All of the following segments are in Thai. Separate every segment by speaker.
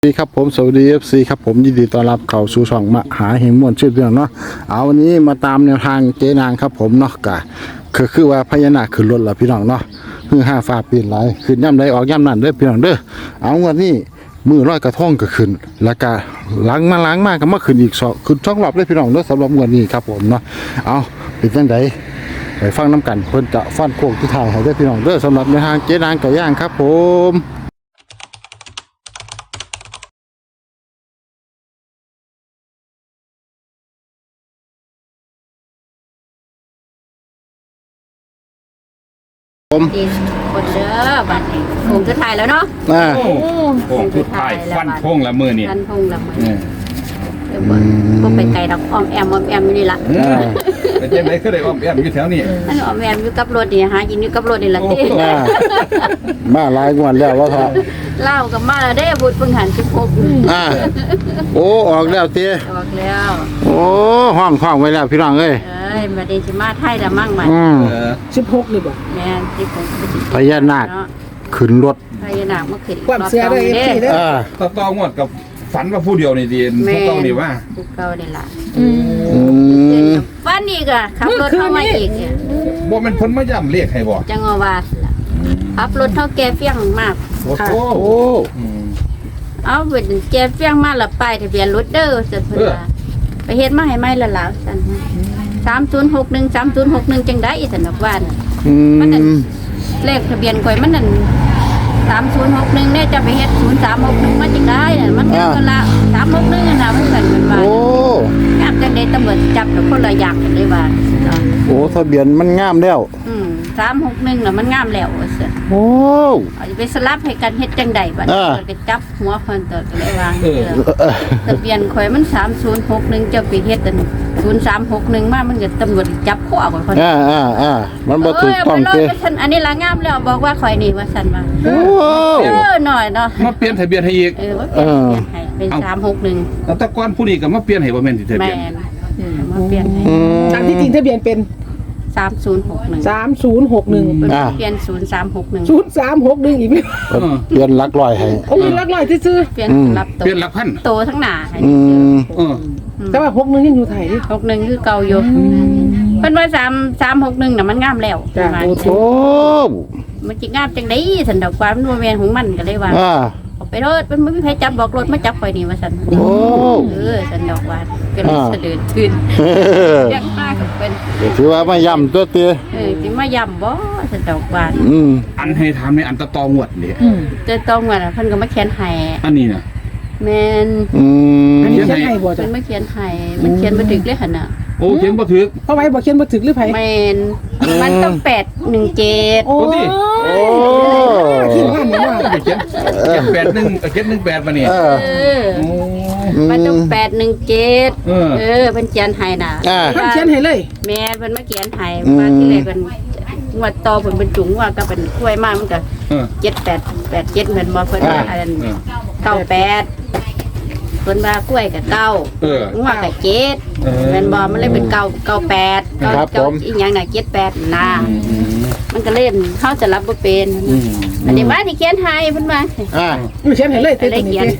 Speaker 1: สวัสดีครับผมสวัสดี FC ครับผมยินดีต้อนรับเข้าสู่ช่องมหาเฮงม่วนชื่อเรื่องเนาะเอาวันนี้มาตามแนวทางเจ๊นางครับผมเนาะก็คือว่าพญานาคขึ้นรถแล้วพี่น้องเนาะคือ5ฟ้าปีนหลายขึ้นย่ำใดออกย่ำนั่นเด้อพี่น้องเด้อเอาวันนี้มือร้อยกระทงก็ขึ้นแล้วก็ล้างมาก็มาขึ้นอีกขึ้นช่องรอบเลยพี่น้องเด้อสำหรับวันนี้ครับผมเนาะเอาเป็นจังไดไปฟังน้ำกันเพิ่นจะฟันโค้งที่ถ่ายให้ได้พี่น้องเด้อสำหรับแนวทางเจ๊นางไก่ย่างครับผม
Speaker 2: ดีคนเด้อบัดนี้คงจะถ่ายแล้วเนาะ
Speaker 3: โค้งสุดท้ายฟันพงละมือนี่
Speaker 2: ฟันพงละมือเดี๋ยวบ่ไปไกลดอกอ้อมแอมอยู่นี่ล่ะ
Speaker 3: แต่เจ๊ไหนก็ได้ออมแอมอยู่แถวนี้
Speaker 2: อันอ้อมแอมอยู่กับรถนี่หากินอยู่กับรถนี่ล่ะติ
Speaker 1: มาหลายงวดแล้วว่าครับ
Speaker 2: เล่ากับมาแล้วเด้บุญเพิ่งหัน16
Speaker 1: โอ้ออกแล้วเตี้ย
Speaker 2: ออกแล้ว
Speaker 1: โอ้ห้องไว้แล้วพี่น้องเอ้ย
Speaker 2: บัดนี้สิมาไทยละมั่งมัน
Speaker 4: 16นี่บ่
Speaker 2: แม่น16
Speaker 1: พญานาคขึ้นรถ
Speaker 2: พญานาคมาขึ้น
Speaker 4: ความเชื่อด้วย FC เด้อ
Speaker 3: ต่องวดกับฝันว่าผู้เดียวนี่ดีพวกต้องนี่ว่า
Speaker 2: ผู้เก่านี่ล่ะ
Speaker 1: อืม
Speaker 2: ฟันอีกอ่ะขับรถเข้ามาอีกเนี่ย
Speaker 3: บ่แม่นเพิ่นมาย่ำเรียกให้บ่
Speaker 2: จังว่าล่ะขับรถเท่าแก่เฟี้ยงมาก
Speaker 3: โอ้โห
Speaker 1: โอ้
Speaker 2: เอาเป็นแกเฟี้ยงมาละป้ายทะเบียนรถเด้อสันเพิ่นว่าไปเฮ็ดมาให้ใหม่ละล่ะสัน3061จังได๋สันดอกว่าน่ะ มันนั่นเลขทะเบียนข่อยมันนั่น3061เนี่ยจะไปเฮ็ด0361มาจังได๋น่ะมันก็ละ361น่ะนะมันกันว่า
Speaker 1: โอ้
Speaker 2: ยากจังได๋ตำรวจจับแล้วคนละอย่างกันเลยว่า
Speaker 1: โอ้ทะเบียนมันงามแล้ว
Speaker 2: 361น่ะมันงามแล้วว่าซั่น
Speaker 1: โอ้
Speaker 2: เอาไปสลับให้กันเฮ็ดจังได๋บัดก็จับหัวเพิ่นตัวก็เลยว่าทะเบียนข่อยมัน3061จะไปเฮ็ดอัน0361มามันก็ตำรวจจับข้อข่อยเพิ่น
Speaker 1: มันบ่ถูกต้อง
Speaker 2: เด้
Speaker 1: เต้
Speaker 2: อันนี้ละงามแล้วบอกว่าข่อยนี่ว่าซั่นว่า
Speaker 1: โอ้
Speaker 2: หน่อยเนาะ
Speaker 3: มาเปลี่ยนทะเบียนให้อีก
Speaker 2: ว่าเปลี่ยนให้เป็น361
Speaker 3: แล้วแต่ก่อนผู้นี้ก็มาเปลี่ยนให้บ่แม่นที่ทะ
Speaker 2: แม่
Speaker 3: เบียน
Speaker 2: มาเปลี่ยนให้
Speaker 4: ทางที่จริงทะเบียนเป็น
Speaker 2: 3061
Speaker 4: 3061
Speaker 2: เปลี่ยน0361
Speaker 4: 0361อีกไหม
Speaker 1: เปลี่ยนหลักร้อยให้
Speaker 4: โอ้ยลักลอยซื่อ
Speaker 2: เปลี่ยนรับ
Speaker 3: เปลี่ยนหลักพัน
Speaker 2: โตทั้งหน้าให้
Speaker 3: เออ
Speaker 4: ๆแต่ว่า61ยังอยู่ไทยดิ
Speaker 2: 61คือเก่าอยู่เพิ่นว่า361น่ะมันงามแล้ว
Speaker 4: จ้ะ
Speaker 2: ว่า
Speaker 1: โอ้
Speaker 2: มันสิงามจังได๋สันดอกว่ามันบ่แม่นของมันก็เลยว่าเอาไปรถมันบ่มีใครจับบอกรถมาจับข่อยนี่ว่าซั่น
Speaker 1: โอ้
Speaker 2: สันดอกว่าก็เลยสะดือตื่นยังมากกับเป็น
Speaker 1: ถือว่าไม่ย่ำตัวเตี้ย
Speaker 2: สิมาย่ำบ่สันดอกว่า
Speaker 3: อันให้ถามในอันตองวดนี่
Speaker 2: จะต้องว่าเพิ่นก็มาเขียนให้
Speaker 3: อันนี้น่ะ
Speaker 2: แม่น
Speaker 4: อันนี้เขียนให้บ่
Speaker 2: เพิ่
Speaker 4: จ้ะ
Speaker 2: นมาเขียนให้มันเขียนบ่ถึกเลยหั่นน่ะ
Speaker 3: โอ้เขียนบ่ถูก
Speaker 4: เพราะไว้บ่เขียนบ่ถึกหรือไผ
Speaker 2: แม่นมันต้อง817
Speaker 4: โอ้
Speaker 1: โอ้
Speaker 4: คิดว่าเนี่ยว่า
Speaker 3: เขียน81เขียน18มานี่
Speaker 2: เออมันต้อง817เพิ่นเขียนให้น่ะ
Speaker 4: เพิ่นเขียนให้เลย
Speaker 2: แม่เพิ่นมาเขียนให้ว่าที่แรกเพิ่นงวดต่อเพิ่นเป็นจุงว่าก็เป็นกล้วยมามันก็ 7887เหมือนบ่เพิ่นว่าอันนั้น98เพิ่นว่ากล้วยกับเก้างัวกับเจ็ดแม่นบ่มันเลยเป็น98อีหยังน่ะ78นะมันก็เล่นเฮาจะรับบ่เป็นอันนี้ว่าที่เขียนให้เพิ่นว่า
Speaker 4: เขียนให้เลย
Speaker 2: ก็เลยเขียน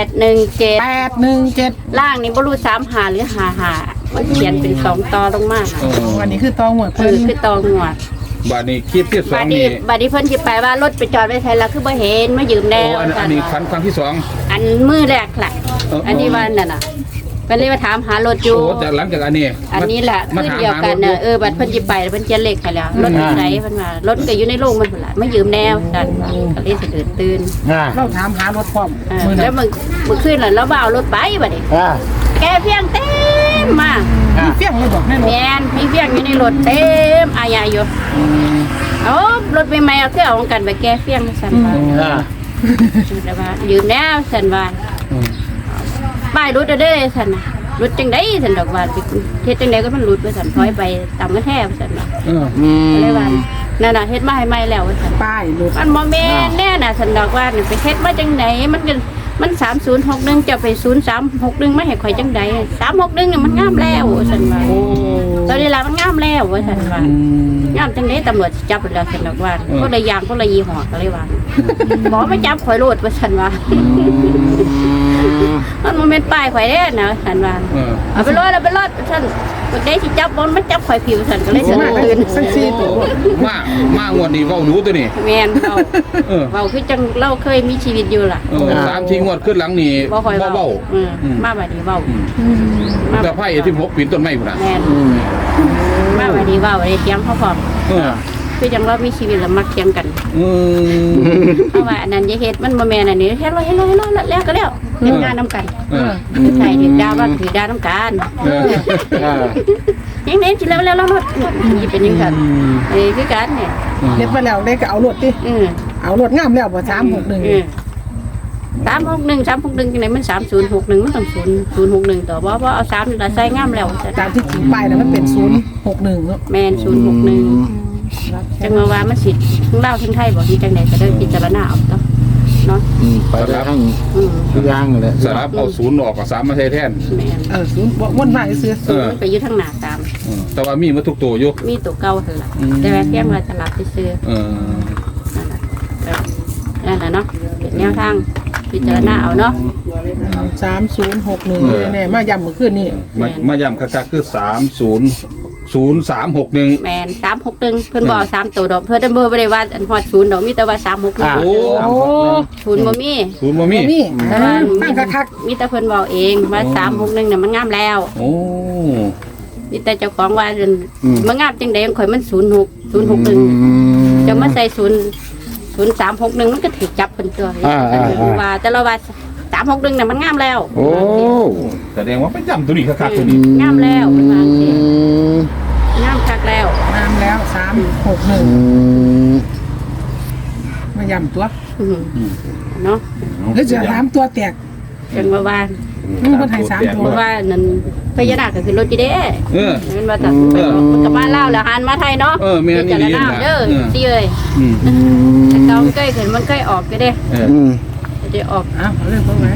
Speaker 2: 817
Speaker 4: 817
Speaker 2: ล่างนี่บ่รู้35หรือ55มันเขียนเป็น2ต่อลงมา
Speaker 4: วันนี้คือตองหมด
Speaker 2: คือตองวด
Speaker 3: บัดนี้คลิปที่
Speaker 2: บัด
Speaker 3: 2
Speaker 2: นี้
Speaker 3: นี่
Speaker 2: บัดนี้เพิ่นสิไปว่ารถไปจอดไว้ไสแล้วคือบ่เห็นมายืมแล้
Speaker 3: โอ้
Speaker 2: ว
Speaker 3: อันนี้ครั้งที่2
Speaker 2: อันมือแรกล่ะอันนี้ว่านั่นน่ะเพิ่นเลยมาถามหารถอยู่
Speaker 3: โอ้แต่หลังจากอันนี้
Speaker 2: อันนี้แหละคือเดียวกันน่ะบัดเพิ่นสิไปเพิ่นเขียนเลขให้แล้วรถอยู่ไหนเพิ่นว่ารถก็อยู่ในโรงมันพุ่นล่ะมายืมแนวกันว่าก็เลยสะดุดตื่น
Speaker 4: เราถามหารถพร้อม
Speaker 2: แล้วมื้อคืนน่ะเราบ่เอารถไปบัดนี้แกเพียงเต็มมา
Speaker 4: มีเฟี้ยงเลยบอกแน่นอน
Speaker 2: แม่นมีเพียงอยู่ในรถเต็มอายาอยู่เอารถใหม่ๆเอาคือเอากันไปแก้เฟียงซั่นว่าแล้วว่ายืมแล้วซั่นว่าป้ายรถเด้อซั่นน่ะรถจังได๋ซั่นดอกว่าเฮ็ดจังได๋ก็มันหลุดว่าซั่นถอยไปตามกระแทกซั่นว่าเลยว่านั่นน่ะเฮ็ดมาให้ใหม่แล้วว่าซั่น
Speaker 4: ป้ายรถ
Speaker 2: มันบ่แม่นแน่น่ะซั่นดอกว่าไปเฮ็ดมาจังได๋มันมัน3061จะไป0361ไม่ให้ข่อยจังใด361เนี่ยมันงามแล้วซั่นว่าตอนนี้ล่ะมันงามแล้วว่าซั่นว่างามจังได๋ตำรวจสิจับแล้วซั่นว่าคนละอย่างคนละยี่ห้อก็เลยว่าหมอไม่จับข่อยโลดว่าซั่นว่ามันบ่แม่นป้ายข่อยเด้นะซั่นว่าเอาไปรอดซั่นบ่ได้สิจับบ่มันจับข่อยผิวซั่นก็เลยสนุกตื่น
Speaker 4: สัก4ตัว
Speaker 3: มางวดนี้เว้าดูตัวนี้
Speaker 2: แม่นเว้าคือจังเราเคยมีชีวิตอยู่ล่ะ
Speaker 3: 3-4งวดขึ้นหลังนี่
Speaker 2: บ่ค่อย
Speaker 3: เว้า
Speaker 2: เว้ามาบัดนี้เว้ามา
Speaker 3: แต่ไพ่16ปีนต้นไม้พุ่นน่ะ
Speaker 2: แม่นมาบัดนี้เว้าได้เถียงเขาพร้อมคือจังเรามีชีวิตแล้วมักเถียงกันเพราะว่าอันนั้นอย่าเฮ็ดมันบ่แม่นอันนี้เฮ็ดแล้วแล้วก็แล้วเฮ็ดงานนำกันใช่ถือดาวว่าถือดาวนำกันยังไงสิแล้วรถนี่เป็นจังซั่นคือกันเนี่ย
Speaker 4: เฮ็ดมาแล้วได้ก็เอารถติเอารถงามแล้วบ่361
Speaker 2: 361จังได๋มัน3061มันต้อง061ต่อบ่เอา3นี่ล่ะใส่งามแล้ว
Speaker 4: ตามที่จริงไปนะมันเป็น061เนาะ
Speaker 2: แม่น061จังว่ามันสิทั้งลาวทั้งไทยบ่ที่จังได๋ก็ได้พิจารณาเอาเนาะ
Speaker 1: ไปได้ทั้งทุกอย่างเลย
Speaker 3: สลับเอา0ออกกับ3มาใช้แทน
Speaker 2: แม่น
Speaker 4: 0วนมาซื้อ
Speaker 2: มันไปอยู่ทางหน้าตาม
Speaker 3: แต่ว่ามีมาทุกตัวอยู่
Speaker 2: มีตัวเก่าหั่นล่ะแต่ว่าเพียงว่าจะรับซื่อนั่นล่ะเนาะเป็นแนวทางพิจารณาเอาเนาะ
Speaker 4: 3061แน่ๆมาย้ำเมื่อคืนนี้
Speaker 3: มาย้ำคักๆคือ300361
Speaker 2: แม่น361เพิ่นบ่เอา3ตัวดอกเพิ่นบ่ได้ว่าอันฮอด0ดอกมีแต่ว่า361
Speaker 3: โอ้
Speaker 2: 0บ่มี
Speaker 3: 0บ่มี
Speaker 4: นี่
Speaker 2: แต่ว่า
Speaker 4: ตั้งคัก
Speaker 2: มีแต่เพิ่นบอกเองว่า361น่ะมันงามแล้ว
Speaker 3: โอ้
Speaker 2: มีแต่เจ้าของว่ามันงามจังได๋ข่อยมัน06061จะมาใส่0361มันก็ถูกจับเป็นตัวว่าแต่ละว่า361น่ะมันงามแล้ว
Speaker 1: โอ้
Speaker 3: แสดงว่าไปย้ำตัวนี้คักๆตัวนี้
Speaker 2: งามแล้วมันว่าจังซี่งามคักแล้ว
Speaker 4: ๆงามแล้ว361มาย้ำตัว
Speaker 2: เนาะ
Speaker 4: แล้วจะถามตัวแตก
Speaker 2: จังว่า
Speaker 4: มันให้3ตัว
Speaker 2: เพราะว่านั่นพญานาคก็คือรถจีเด้ มันมาจากมันกับบ้านเล่าแล้วหันมาไทยเนาะ
Speaker 3: แม่นอีหลี
Speaker 2: จะ
Speaker 3: นะ
Speaker 2: เด้อสิเอ้ยแต่เก่าใกล้ขึ้นมันใกล้ออกก็ได้จะออก
Speaker 4: เอาเรื่องตรงไหน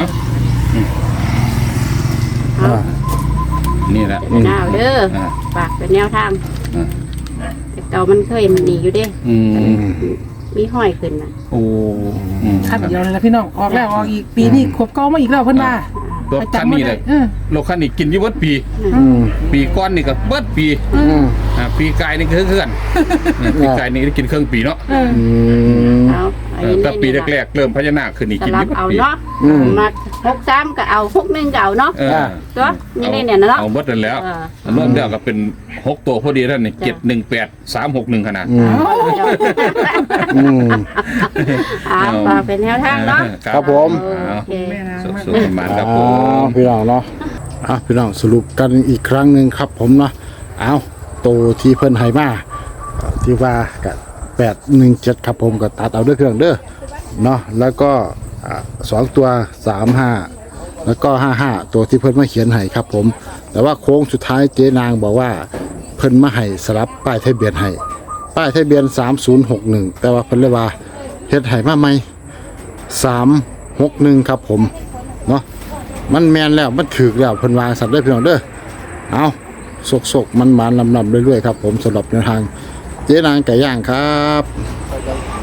Speaker 3: นี่แหละ
Speaker 2: เป็นหน้าเด้อฝากเป็นแนวทางแต่เก่ามันเคยมันหนีอยู่เด้มีห้อยขึ้นน่ะ
Speaker 3: โอ้
Speaker 4: คันเดียวเลยละพี่น้องออกแล้วออกอีกปีนี้ขวบเก่ามาอีกแล้วเพิ่นว่าร
Speaker 3: ถคันนี้เลยรถคันนี้กินอยู่เบิดปีปีก้อนนี่ก็เบิดปีปีกายนี่ก็เคลื่อนปีกายนี่กินเครื่องปีเนาะ
Speaker 2: เอา
Speaker 3: แต่ปีแรกๆเริ่มพญานาคขึ้นนี่กิน
Speaker 2: รั
Speaker 3: อบ ยู่เบิด
Speaker 2: เอา
Speaker 3: ปี
Speaker 2: เนาะมา63ก็เอา61ก็เอาเนาะตัวนี่เนี่ยเนาะ
Speaker 3: เอาเบิดนั่นแล้วรวมแล้วก็เป็น6ตัวพอดีท่านนี่718361ขนาด
Speaker 2: ฝากเป็นแนวทางเนาะ
Speaker 1: ครับผม
Speaker 3: สุดๆมันครับผม
Speaker 1: พี่น้องเนาะพี่น้องสรุปกันอีกครั้งหนึ่งครับผมเนาะตัวที่เพิ่นให้มาที่ว่ากับ817ครับผมก็ตัดเอาด้วยเครื่องเด้อเนาะแล้วก็2ตัว35แล้วก็55ตัวที่เพิ่นมาเขียนให้ครับผมแต่ว่าโค้งสุดท้ายเจ๊นางบอกว่าเพิ่นมาให้สลับป้ายทะเบียนให้ป้ายทะเบียน3061แต่ว่าเพิ่นเลยว่าเฮ็ดให้มาใหม่361ครับผมเนาะมันแมนแล้วมันถือแล้วเพิ่นวางสัตว์ได้เพียงเด้อเอาสกๆมันๆลำๆเรื่อยๆครับผมสำหรับแนวทางเจ๊นางไก่ย่างครับ